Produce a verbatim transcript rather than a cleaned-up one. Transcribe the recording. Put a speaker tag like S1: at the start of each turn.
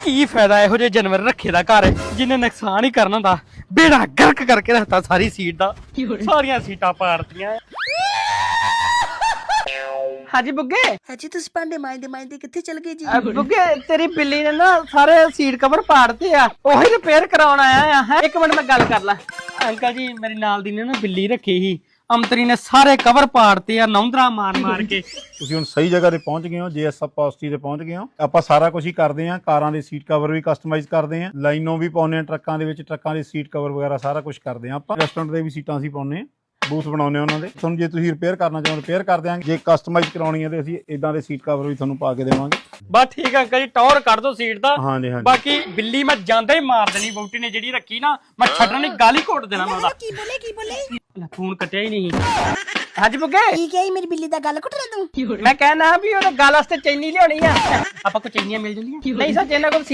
S1: ਕੀ ਫਾਇਦਾ ਇਹੋ ਜਿਹੇ ਜਾਨਵਰ ਰੱਖੇ ਦਾ ਘਰ ਜਿਹਨੇ ਨੁਕਸਾਨ ਹੀ ਕਰਨਾ ਹੁੰਦਾ। ਬੇੜਾ ਗਰਕ ਕਰਕੇ ਰੱਖਤਾ ਸਾਰੀ ਸੀਟ ਦਾ, ਸਾਰੀਆਂ ਸੀਟਾਂ ਪਾੜਤੀਆਂ। ਹਾਂਜੀ ਬੁੱਗੇ।
S2: ਹਾਂਜੀ ਤੁਸੀਂ ਭਾਂਡੇ ਮਾਂਜਦੇ ਮਾਂਜਦੇ ਕਿੱਥੇ ਚਲ ਗਏ ਜੀ?
S1: ਬੁੱਗੇ ਤੇਰੀ ਬਿੱਲੀ ਨੇ ਨਾ ਸਾਰੇ ਸੀਟ ਕਵਰ ਪਾੜਤੇ ਆ, ਉਹੀ ਰਿਪੇਅਰ ਕਰਾਉਣ ਆਇਆ ਆ। ਇੱਕ ਮਿੰਟ ਮੈਂ ਗੱਲ ਕਰ ਲਾਂ। ਅੰਕਲ ਜੀ ਮੇਰੀ ਨਾਲ ਦੀ ਨੇ ਨਾ ਬਿੱਲੀ ਰੱਖੀ ਸੀ, ਅੰਤਰੀ ਨੇ ਸਾਰੇ ਕਵਰ ਪਾੜਤੇ ਆ ਨੌਂਦਰਾ ਮਾਰ ਮਾਰ ਕੇ।
S3: ਤੁਸੀਂ ਹੁਣ ਸਹੀ ਜਗ੍ਹਾ ਤੇ ਪਹੁੰਚ ਗਏ ਹੋ, ਜੇਐਸ ਪੋਸਟੀ ਤੇ ਪਹੁੰਚ ਗਏ ਹੋ। ਆਪਾਂ ਸਾਰਾ ਕੁਝ ਹੀ ਕਰਦੇ ਆਂ, ਕਾਰਾਂ ਦੇ ਸੀਟ ਕਵਰ ਵੀ ਕਸਟਮਾਈਜ਼ ਕਰਦੇ ਆਂ, ਲਾਈਨੋਂ ਵੀ ਪਾਉਂਦੇ ਆਂ ਟਰੱਕਾਂ ਦੇ ਵਿੱਚ, ਟਰੱਕਾਂ ਦੇ ਸੀਟ ਕਵਰ ਵਗੈਰਾ ਸਾਰਾ ਕੁਝ ਕਰਦੇ ਆਂ। ਆਪਾਂ ਰੈਸਟੋਰੈਂਟ ਦੇ ਵੀ ਸੀਟਾਂ ਅਸੀਂ ਪਾਉਂਦੇ ਆਂ, ਬੂਥ ਬਣਾਉਂਦੇ ਉਹਨਾਂ ਦੇ। ਤੁਹਾਨੂੰ ਜੇ ਤੁਸੀਂ ਰਿਪੇਅਰ ਕਰਨਾ ਚਾਹੋ ਰਿਪੇਅਰ ਕਰ ਦਿਆਂਗੇ, ਜੇ ਕਸਟਮਾਈਜ਼ ਕਰਾਉਣੀ ਹੈ ਤੇ ਅਸੀਂ ਇਦਾਂ ਦੇ ਸੀਟ ਕਵਰ ਵੀ ਤੁਹਾਨੂੰ ਪਾ ਕੇ ਦੇਵਾਂਗੇ।
S1: ਬਸ ਠੀਕ ਆ ਅੰਕਲ ਜੀ, ਟੌਰ ਕੱਢ ਦੋ ਸੀਟ ਦਾ।
S3: ਹਾਂਜੀ ਹਾਂਜੀ।
S1: ਬਾਕੀ ਬਿੱਲੀ ਮੈਂ ਜਾਂਦਾ ਹੀ ਮਾਰ ਦੇਣੀ, ਵਹੁਟੀ ਨੇ ਜਿਹੜੀ ਰੱਖੀ ਨਾ, ਮੈਂ ਛੱਡਣੀ ਗਾਲੀ ਘੋਟ ਦੇਣਾ ਮੈਂ ਉਹਦਾ।
S2: ਕੀ ਬੋਲੇ ਕੀ ਬੋਲੇ?
S1: ਫੋਨ ਕੱਟਿਆ ਹੀ ਨਹੀਂ। ਹਾਂਜੀ ਬੁੱਗੇ।
S2: ਕੀ ਕਹੀ ਮੇਰੀ ਬਿੱਲੀ ਦਾ ਗੱਲ ਘੁੱਟ ਰਿਹਾ ਤੂੰ?
S1: ਮੈਂ ਕਹਿਣਾ ਵੀ ਉਹਦੇ ਗੱਲ ਵਾਸਤੇ ਚੈਨੀ ਲਿਆਉਣੀ ਆ। ਆਪਾਂ ਕੋ ਚੈਨੀਆਂ ਮਿਲ ਜਾਂਦੀਆਂ? ਨਹੀਂ ਸੱਚ ਇਹਨਾਂ ਕੋਲ